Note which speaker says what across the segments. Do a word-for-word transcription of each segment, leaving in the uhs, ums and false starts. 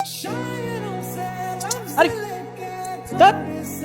Speaker 1: আরে ধ্যাৎ।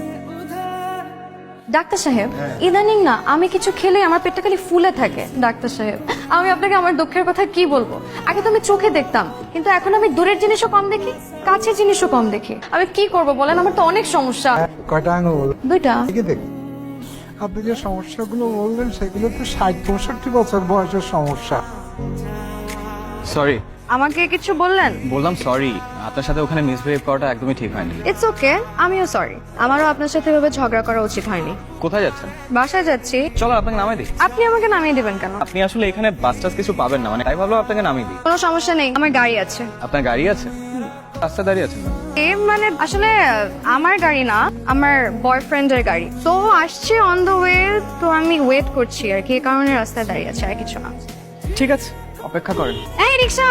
Speaker 2: ডাক্তার সাহেব, ইদানিং না আমি কিছু খেলে আমার পেটটা খালি ফুলে থাকে। ডাক্তার সাহেব, আমি আপনাকে আমার দুঃখের কথা কি বলবো? আগে তো আমি চোখে দেখতাম, কিন্তু এখন আমি দূরের জিনিসও কম দেখি, কাছের জিনিসও কম দেখি। আমি কি করব বলেন? আমার তো অনেক সমস্যা।
Speaker 3: কয়টা আঙুল?
Speaker 2: দুইটা।
Speaker 3: দেখে দেখ, আপনি যে সমস্যাগুলো বললেন সেগুলো তো ষাট পঁয়ষট্টি বছর বয়সের সমস্যা।
Speaker 1: সরি।
Speaker 2: আমাকে কিছু বললেন?
Speaker 1: বললাম সরি, আপনার সাথে ওখানে মিসবিহেভ করাটা একদমই ঠিক হয়নি।
Speaker 2: ইটস ওকে, আমিও সরি। আমারও আপনার সাথে এভাবে ঝগড়া করা উচিত হয়নি।
Speaker 1: কোথায় যাচ্ছেন?
Speaker 2: বাসায় যাচ্ছি।
Speaker 1: চলো আপনাকে নামাই দিই।
Speaker 2: আপনি আমাকে নামিয়ে দিবেন কেন?
Speaker 1: আপনি আসলে এখানে বাস টাস কিছু পাবেন না, মানে তাই ভাবলাম আপনাকে নামিয়ে দিই।
Speaker 2: কোনো সমস্যা নেই, আমার গাড়ি আছে।
Speaker 1: আপনার গাড়ি আছে? রাস্তায় দাঁড়িয়ে আছেন?
Speaker 2: এ মানে আসলে আমার গাড়ি না, আমার বয়ফ্রেন্ডের গাড়ি। তো আসছে অন দ্য ওয়ে, তো আমি ওয়েট করছি আর কি, এই কারণে রাস্তায় দাঁড়িয়ে আছে, আর কিছু না।
Speaker 1: ঠিক আছে, অপেক্ষা করেন।
Speaker 2: এই রিক্সা!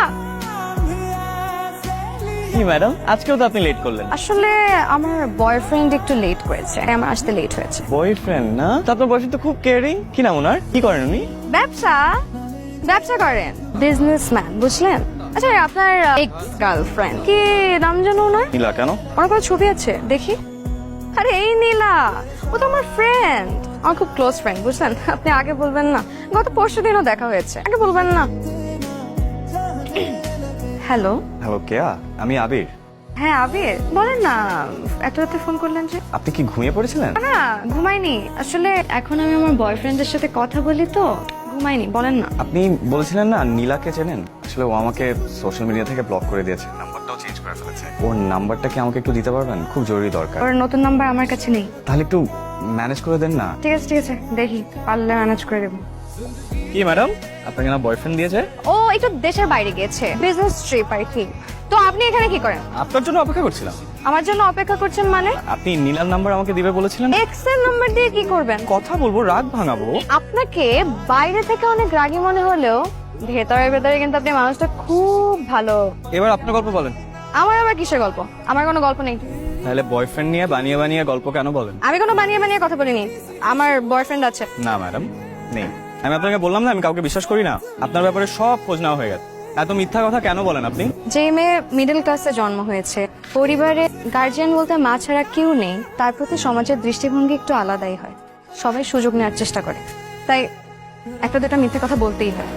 Speaker 1: কি ম্যাডাম, আজকেও তো আপনি লেট করলেন।
Speaker 2: আসলে আমার বয়ফ্রেন্ড একটু লেট করেছে, তাই আমার আসতে লেট হয়েছে।
Speaker 1: বয়ফ্রেন্ড না? তো আপনার বয়ফ্রেন্ড তো খুব কেয়ারিং। কি নাম ওনার? কি করেন উনি?
Speaker 2: ব্যবসা ব্যবসা করেন, বিজনেসম্যান, বুঝলেন? আচ্ছা, আপনার এক্স গার্লফ্রেন্ড কি নাম জানো ওনার?
Speaker 1: নীলা। কেন?
Speaker 2: ওনার কোনো ছবি আছে দেখি? আরে এই নীলা, ও তো আমার ফ্রেন্ড, আমার খুব ক্লোজ ফ্রেন্ড, বুঝলেন? আপনি আগে বলবেন না? গত পরশু দিনও দেখা হয়েছে, আগে বলবেন না? হ্যালো।
Speaker 1: হ্যালো, কেয়া? আমি আবির।
Speaker 2: হ্যাঁ আবির, বলেন না, এত রাতে ফোন করলেন যে?
Speaker 1: আপনি কি ঘুমিয়ে পড়েছিলেন?
Speaker 2: না, ঘুমাইনি। আসলে এখন আমি আমার বয়ফ্রেন্ডের সাথে কথা বলি তো ঘুমাইনি। বলেন না।
Speaker 1: আপনি বলেছিলেন না নীলাকে চেনেন? আসলে ও আমাকে সোশ্যাল মিডিয়া থেকে ব্লক করে দিয়েছে, নাম্বারটাও চেঞ্জ করে ফেলেছে। ওর নাম্বারটা কি আমাকে একটু দিতে পারবেন? খুব জরুরি দরকার।
Speaker 2: ওর নতুন নাম্বার আমার কাছে নেই।
Speaker 1: তাহলে একটু ম্যানেজ করে দেন না।
Speaker 2: ঠিক আছে ঠিক আছে, দেখি পারলে ম্যানেজ করে দেবো।
Speaker 1: কি ম্যাডাম, আপনাকে না বয়ফ্রেন্ড দিয়েছে?
Speaker 2: ও একটু দেশের বাইরে গিয়েছে, বিজনেস ট্রিপ আর কি। তো আপনি এখানে কি করেন?
Speaker 1: আপনার জন্য অপেক্ষা করছিলাম।
Speaker 2: আমার জন্য অপেক্ষা করছেন মানে?
Speaker 1: আপনি নীলার নাম্বার আমাকে দিবে বলেছিলেন।
Speaker 2: এক্স এর নাম্বার দিয়ে কি করবেন?
Speaker 1: কথা বলবো, রাগ ভাঙাবো।
Speaker 2: আপনাকে বাইরে থেকে অনেক রাগী মনে হলেও ভেতরে ভেতরে কিন্তু আপনি মানুষটা খুব ভালো।
Speaker 1: এবার আপনার গল্প বলেন।
Speaker 2: আমার আবার কিসের গল্প? আমার কোনো গল্প নেই।
Speaker 1: তাহলে বয়ফ্রেন্ড নিয়ে বানিয়ে বানিয়ে গল্প কেন বলেন?
Speaker 2: আমি কোনো বানিয়ে বানিয়ে কথা বলিনি, আমার বয়ফ্রেন্ড আছে।
Speaker 1: না ম্যাডাম, নেই। আমি আপনাকে বললাম না আমি কাউকে বিশ্বাস করি না। আপনার ব্যাপারে সব খোঁজ নেওয়া হয়ে গেছে। এত মিথ্যা কথা কেন বলেন আপনি?
Speaker 2: যে মেয়ে মিডল ক্লাসে জন্ম হয়েছে, পরিবারে গার্জিয়ান বলতে মা ছাড়া কেউ নেই, তার প্রতি সমাজের দৃষ্টিভঙ্গি একটু আলাদাই হয়। সবাই সুযোগ নেওয়ার চেষ্টা করে, তাই একটা দুটা মিথ্যে কথা বলতেই হয়।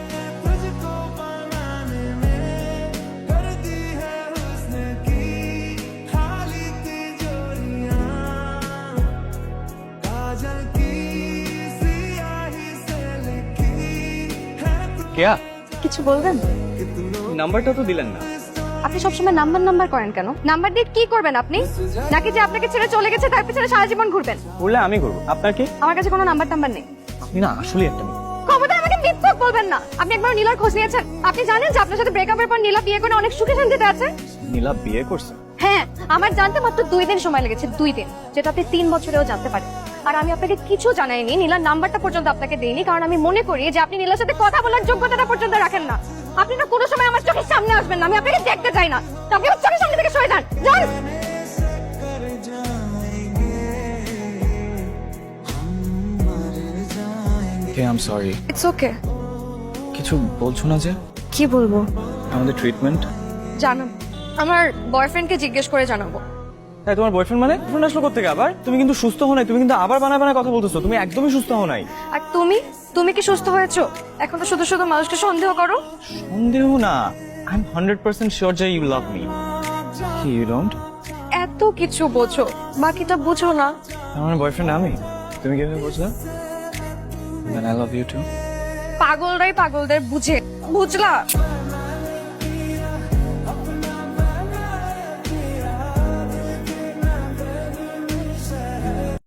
Speaker 1: কেয়া,
Speaker 2: কিছু বলবেন?
Speaker 1: নাম্বারটা তো দিলেন না।
Speaker 2: আপনি সবসময় নাম্বার নাম্বার করেন কেন? নাম্বার দিয়ে কি করবেন আপনি? নাকি যে আপনাকে ছেড়ে চলে গেছে তার পিছনে সারা জীবন ঘুরবেন?
Speaker 1: বললে আমি করবো, আপনার কি?
Speaker 2: আমার কাছে কোনো নাম্বার টাম্বার নেই।
Speaker 1: আপনি না আসলে একটা মেয়ে।
Speaker 2: খবরদার আমাকে মিথ্যক বলবেন না। আপনি একবার নীলার খোঁজ নিয়েছেন? আপনি জানেন যে আপনার সাথে ব্রেকআপের পর নীলা বিয়ে করে অনেক সুখে শান্তিতে আছে?
Speaker 1: নীলা বিয়ে করছে?
Speaker 2: হ্যাঁ, আমার জানতে মাত্র দুই দিন সময় লেগেছে, দুই দিন, যেটা আপনি তিন বছরেও জানতে পারেন। আর আমি আপনাকে কিছু জানাইনি, নীলার নাম্বারটা পর্যন্ত আপনাকে দেইনি, কারণ আমি মনে করি যে আপনি নীলার সাথে কথা বলার যোগ্যতাটা পর্যন্ত রাখেন না। আপনি না কোনো সময় আমার চোখের সামনে আসবেন না, আমি আপনাকে দেখতে চাই না। তো আপনি আমার চোখের সামনে থেকে সরে যান, যান।
Speaker 1: কে, I am sorry.
Speaker 2: It's okay.
Speaker 1: কিছু বলছো না যে?
Speaker 2: কি বলবো?
Speaker 1: আমাদের ট্রিটমেন্ট
Speaker 2: জানান, আমার বয়ফ্রেন্ডকে জিজ্ঞেস করে জানাবো।
Speaker 1: তাই তোমার বয়ফ্রেন্ড মানে? ফোন আসলো করতে আবার? তুমি কিন্তু সুস্থ হও নাই, তুমি কিন্তু আবার বানায় বানায় কথা বলতেছো। তুমি একদমই সুস্থ হও নাই।
Speaker 2: আর তুমি তুমি কি সুস্থ হয়েছো? এখন তো শুধু শুধু মানুষকে সন্দেহ করো।
Speaker 1: সন্দেহ না, I am hundred percent sure যে ইউ লাভ মি। কি ইউ ডোন্ট?
Speaker 2: এত কিছু বোঝো, বাকিটা বুঝো না।
Speaker 1: আমার বয়ফ্রেন্ড আমি? তুমি কিভাবে বুঝলে? Then I love you too.
Speaker 2: পাগলরাই পাগলদের বুঝে, বুঝলা?